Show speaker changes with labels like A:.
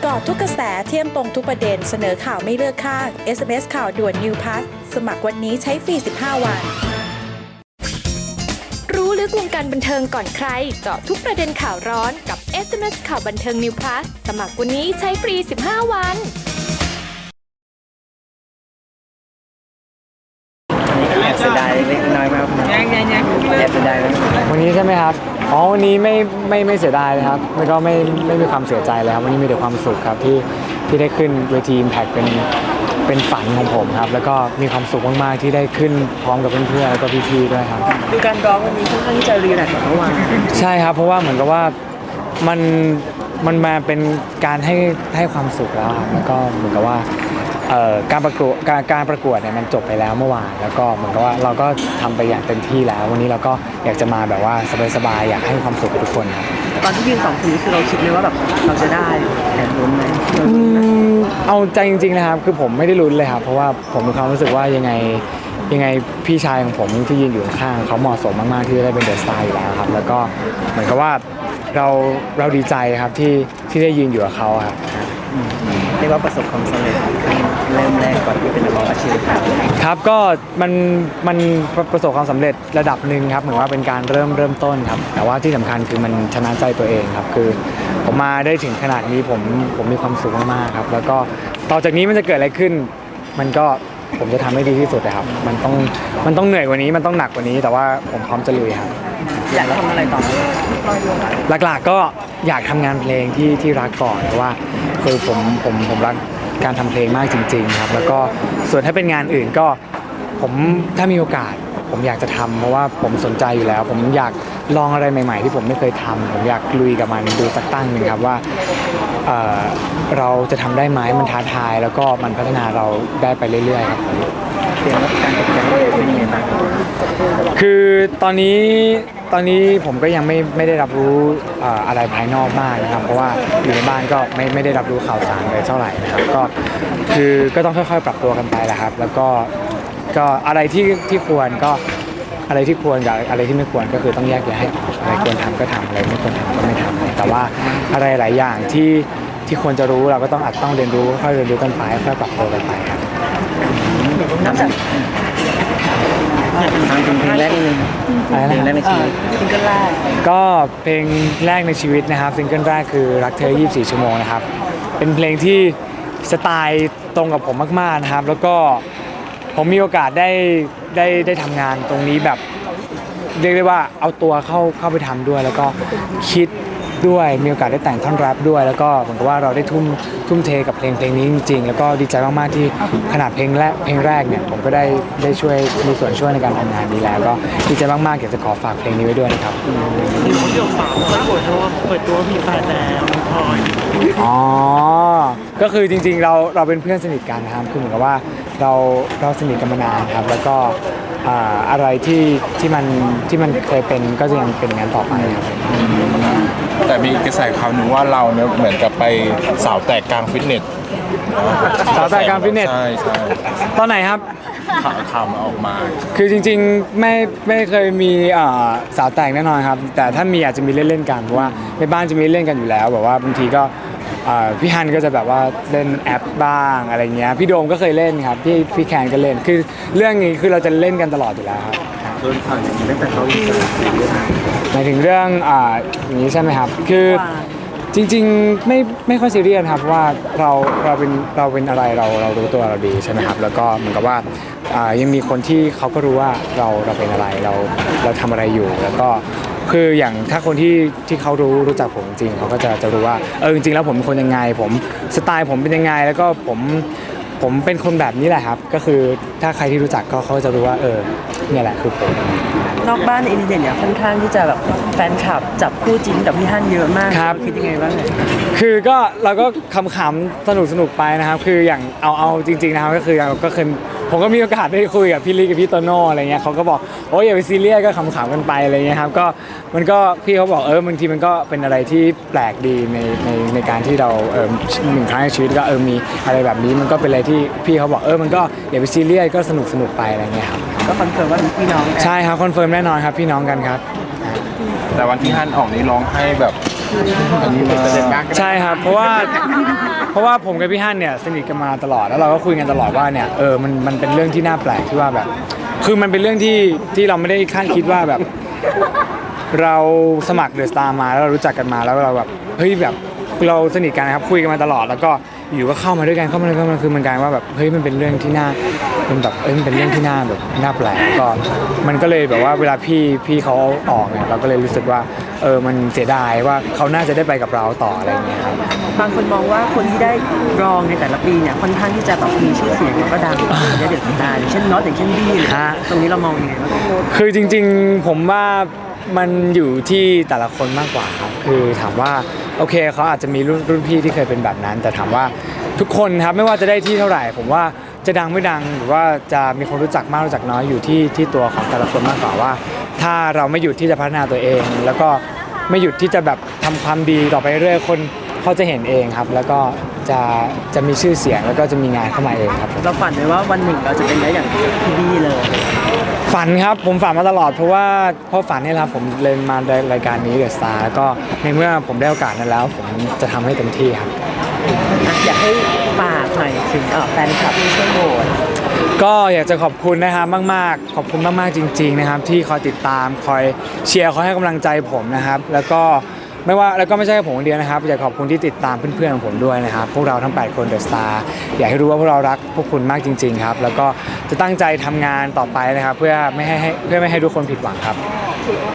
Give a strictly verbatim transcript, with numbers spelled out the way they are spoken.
A: กาะทุกกระแสเที่ยมตรงทุกประเด็นเสนอข่าวไม่เลือกข้าง เอส เอ็ม เอส ข่าวด่วน New Pass สมัครวันนี้ใช้ฟรีสิบห้าวัน
B: รู้ลึกวงการบันเทิงก่อนใครเจาะทุกประเด็นข่าวร้อนกับ เอส เอ็ม เอส ข่าวบันเทิง New Plus สมัครวันนี้ใช้ฟรีสิบห้าวัน
C: แอบเสียดายเล็กน้อยมากยังยังยังแอบเสียดาย
D: วันนี้ใช่ไหมครับอ๋อวันนี้ไม่ไม่ไม่เสียดายเลยครับแล้วก็ไม่ไม่มีความเสียใจเลยครับวันนี้มีแต่ความสุขครับที่ที่ได้ขึ้นเวที Impact เป็นเป็นฝันของผมครับแล้วก็มีความสุขมากๆที่ได้ขึ้นพร้อมกับเพื่อนๆแล้วก็พี่ๆด้วยครับ
C: ดูการร้องวันนี้ค่อนข้างที่จะรีแลกซ์กว่าเมื่อวาน
D: ใช่ครับเพราะว่าเหมือนกับว่ามันมันมาเป็นการให้ให้ความสุขแล้วแล้วก็เหมือนกับว่าการประกวดการการประกวดเนี่ยมันจบไปแล้วเมื่อวานแล้วก็เหมือนกับว่าเราก็ทำไปอย่างเต็มที่แล้ววันนี้เราก็อยากจะมาแบบว่าสบายๆอยากให้ความสุขกับทุกคนครับ
C: ตอนที่ยืนสองคนนี้คือเราคิดเลยว่าแบบเราจะได้แอบลุ้นไหม
D: เอาใจจริงๆนะครับคือผมไม่ได้ลุ้นเลยครับเพราะว่าผมมีความรู้สึกว่ายังไงยังไงพี่ชายของผมที่ยืนอยู่ข้างเขาเหมาะสมมากๆที่จะได้เป็นเดอะสตาร์อยู่แล้วครับแล้วก็เหมือนกับว่าเราเราดีใจครับที่ที่ได้ยืนอยู่กับเขาครับ
C: เรียกว่าประสบความสำเร็จเริ่มแรกก่อนที่เป็นนักร้องอาชีพครับ
D: ครับก็มันมันประสบความสำเร็จระดับหนึ่งครับเหมือนว่าเป็นการเริ่มเริ่มต้นครับแต่ว่าที่สำคัญคือมันชนะใจตัวเองครับคือผมมาได้ถึงขนาดนี้ผมผมมีความสุขมากๆครับแล้วก็ต่อจากนี้มันจะเกิดอะไรขึ้นมันก็ผมจะทำให้ดีที่สุดนะครับมันต้องมันต้องเหนื่อยกว่านี้มันต้องหนักกว่านี้แต่ว่าผมพร้อมจะลุยครับ
C: อยากทำอะไรต่อ
D: หลักๆก็อยากทำงานเพลงที่ที่รักก่อนเพราะว่าคือผมผมผมรักการทำเพลงมากจริงๆครับแล้วก็ส่วนถ้าเป็นงานอื่นก็ผมถ้ามีโอกาสผมอยากจะทำเพราะว่าผมสนใจอยู่แล้วผมอยากลองอะไรใหม่ๆที่ผมไม่เคยทำผมอยากลุยกับมันดูสักตั้งหนึ่งครับว่าเอ่อเราจะทำได้ไหมมันท้าทายแล้วก็มันพัฒนาเราได้ไปเรื่อยๆครับผม
C: เตรียมรับการตกแต่งเป็นยังไงบ้าง
D: คือตอนนี้ตอนนี้ผมก็ยังไม่ไม่ได้รับรู้อะไรภายนอกมากนะครับเพราะว่าอยู่ในบ้านก็ไม่ไม่ได้รับรู้ข่าวสารเลยเท่าไหร่นะครับก็คือก็ต้องค่อยๆปรับตัวกันไปแหละครับแล้วก็ก็อะไรที่ที่ควรก็อะไรที่ควรกับอะไรที่ไม่ควรก็คือต้องแยกแยะให้ออกอะไรควรทำก็ทำอะไรไม่ควรทำก็ไม่ทำแต่ว่าอะไรหลายอย่างที่ที่ควรจะรู้เราก็ต้องอาจต้องเรียนรู้ค่อยเรียนรู้กันไปค่อยปรับตัวกันไปครับ
C: นอกจากทางเพลงแรกนึงเพลงแรกในชีวิตซิงเกิลแรก
D: ก็เพลงแรกในชีวิตนะครับซิงเกิลแรกคือรักเธอยี่สิบสี่ชั่วโมงนะครับเป็นเพลงที่สไตล์ตรงกับผมมากๆนะครับแล้วก็ผมมีโอกาสได้ได้ได้ทำงานตรงนี้แบบเรียกได้ว่าเอาตัวเข้าเข้าไปทำด้วยแล้วก็คิดด้วยมีโอกาสได้แต่งท่อนแรปด้วยแล้วก็เหมือนกับว่าเราได้ทุ่มทุ่มเทกับเพลงเพลงนี้จริงๆแล้วก็ดีใจมากๆที่ขนาดเพลงแรกเพลงแรกเนี่ยผมก็ได้ได้ช่วยมีส่วนช่วยในการทำงานนี้แล้วก็ดีใจมากๆอยากจะขอฝากเพลงนี้ไว้ด้วยนะครับ
C: มีคนเดียวฝากเปิดตัวเปิดตัวมีแฟนแล้วพลอย
D: อ๋อก็คือจริงๆเราเราเป็นเพื่อนสนิทกันนะครับคือเหมือนกับว่าเราเราสนิทกันมานานครับแล้วก็อะไรที่ที่มันที่มันเคยเป็นก็จะยังเป็นงานต่อไปครับ
E: แต่มีกระแสข่าวหนึ่งว่าเราเนี่ยเหมือนกับไปสาวแตกกลางฟิตเนส
D: สาวแตกกลางฟิตเนส
E: ใช่ใช่
D: ตอนไหนครับ
E: ข่าวข่าวมาออกมา
D: คือจริงๆไม่ไม่เคยมีสาวแตกแน่นอนครับแต่ถ้ามีอาจจะมีเล่นๆกันเพราะว่าในบ้านจะมีเล่นกันอยู่แล้วแบบว่าบางทีก็พี่ฮันก็จะแบบว่าเล่นแอปบ้างอะไรเงี้ยพี่โดมก็เคยเล่นครับพี่พี่แคนก็เล่นคือเรื่องนี้คือเราจะเล่นกันตลอดอยู่แล้วครับ
C: โดนข่าวอย่างนี้ตั้งแต่เขาอินสตาแกรม
D: หมายถึงเรื่องอ่าอย่างนี้ใช่ไหมครับคือจริงๆไม่ไม่ค่อยซีเรียสครับว่าเราเราเป็นเราเป็นอะไรเราเรารู้ตัวเราดีใช่ไหมครับแล้วก็เหมือนกับว่ายังมีคนที่เขาก็รู้ว่าเราเราเป็นอะไรเราเราทำอะไรอยู่แล้วก็คืออย่างถ้าคนที่ที่เขารู้รู้จักผมจริงเขาก็จะจะรู้ว่าเออจริงๆแล้วผมเป็นคนยังไงผมสไตล์ผมเป็นยังไงแล้วก็ผมผมเป็นคนแบบนี้แหละครับก็คือถ้าใครที่รู้จักก็เขาจะรู้ว่าเออเนี่ยแหละคือผม
C: นอกบ้านอินเดียเนี่ยค่อนข้างที่จะแบบแฟนคลับจับคู่จิ้นกับพี่ฮั่นเยอะมากคิดยังไงบ้าง
D: คือก็เราก็ขำๆสนุกสนุกไปนะครับคืออย่างเอาเอาจริงๆนะครับก็คือก็เคยผมก็มีโอกาสได้คุยกับพี่ลิกับพี่โตโน่อะไรเงี้ยเขาก็บอกโอ้ยอย่าไปซีเรียสก็ขำๆกันไปอะไรเงี้ยครับก็มันก็พี่เขาบอกเออบางทีมันก็เป็นอะไรที่แปลกดีในในในการที่เราเออหนึ่งครั้งในชีวิตก็เออมีอะไรแบบนี้มันก็เป็นอะไรที่พี่เขาบอกเออมันก็อย่าไปซีเรียสก็สนุกสนุกไปอะไรเงี้ยครับ
C: ก็คอนเฟิร์มว่าพี่น้อง
D: ใช่ครับคอนเฟิร์มแน่นอนครับพี่น้องกันครับ
E: แต่วันที่ฮั่นออกนี้ร้องให้แบบอันนี้มา
D: ใช่ครับเพราะว่าเพราะว่าผมกับพี่ฮั่นเนี่ยสนิทกันมาตลอดแล้วเราก็คุยกันตลอดว่าเนี่ยเออมันมันเป็นเรื่องที่น่าแปลกที่ว่าแบบ คือมันเป็นเรื่องที่ที่เราไม่ได้คาดคิดว่าแบบ เราสมัครเดอะสตาร์มาแล้วเรารู้จักกันมาแล้วเราแบบเฮ้ยแบบเราสนิทกันนะครับคุยกันมาตลอดแล้วก็อยู่ก็เข้ามาด้วยกันเข้ามาด้วยกันคือมันกลายว่าแบบเฮ้ยมันเป็นเรื่องที่น่ามันแบบเอ้ยมันเป็นเรื่องที่น่าแบบน่าแปลกก็มันก็เลยแบบว่าเวลาพี่พี่เขาออกเนี่ยเราก็เลยรู้สึกว่าเออมันเสียดายว่าเขาน่าจะได้ไปกับเราต่ออะไรอย่างเงี้ยครับ
C: บางคนมองว่าคนที่ได้รองในแต่ละปีเนี่ยค่อนข้างที่จะแบบมีชื่อเสียงแล้วก็ดังในเด็กสตาร์อย่างเช่นน็อตอย่างเช่นบี้เลยตรงนี้เรามองยังไงบ้าง
D: คือจริงๆผมว่ามันอยู่ที่แต่ละคนมากกว่าครับคือถามว่าโอเคเขาอาจจะมีรุ่นรุ่นพี่ที่เคยเป็นแบบนั้น แต่ถามว่าทุกคนครับไม่ว่าจะได้ที่เท่าไหร่ ผมว่าจะดังไม่ดังหรือว่าจะมีคนรู้จักมากรู้จักน้อยอยู่ที่ที่ตัวของแต่ละคนมากกว่าว่า ถ้าเราไม่หยุดที่จะพัฒนาตัวเอง แล้วก็ไม่หยุดที่จะแบบทำความดีต่อไปเรื่อยคนเขาจะเห็นเองครับ แล้วก็จะจะมีชื่อเสียงแล้วก็จะมีงานเข้ามาเองครับ
C: เราฝันไว้ว่าวันหนึ่งเราจะเป็นได้อย่างพี่บี้เลย
D: ฝันครับผมฝันมาตลอดเพราะว่าเพราะฝันนี่แหละครับผมเลยมารายการนี้เดอะสตาร์แล้วก็ในเมื่อผมได้โอกาสนั้นแล้ว ผมจะทำให้เต็มที่ครับ
C: อยากให้ฝากหน่อยถึงเอ่อแฟนคลับที่ช่วยโหวต
D: ก็อยากจะขอบคุณนะครับมากๆ ขอบคุณมากๆจริง ๆนะครับ ที่คอยติดตามคอยเชียร์คอยให้กำลังใจผมนะครับ แล้วก็ไม่ว่าแล้วก็ไม่ใช่แค่ผมคนเดียวนะครับอยากขอบคุณที่ติดตามเพื่อนๆของผมด้วยนะครับพวกเราทั้งแปดคนเดอะสตาร์อยากให้รู้ว่าพวกเรารักพวกคุณมากจริง ๆครับ แล้วก็จะตั้งใจทำงานต่อไปนะครับ เพื่อไม่ให้ให้เพื่อไม่ให้ทุกคนผิดหวังครับ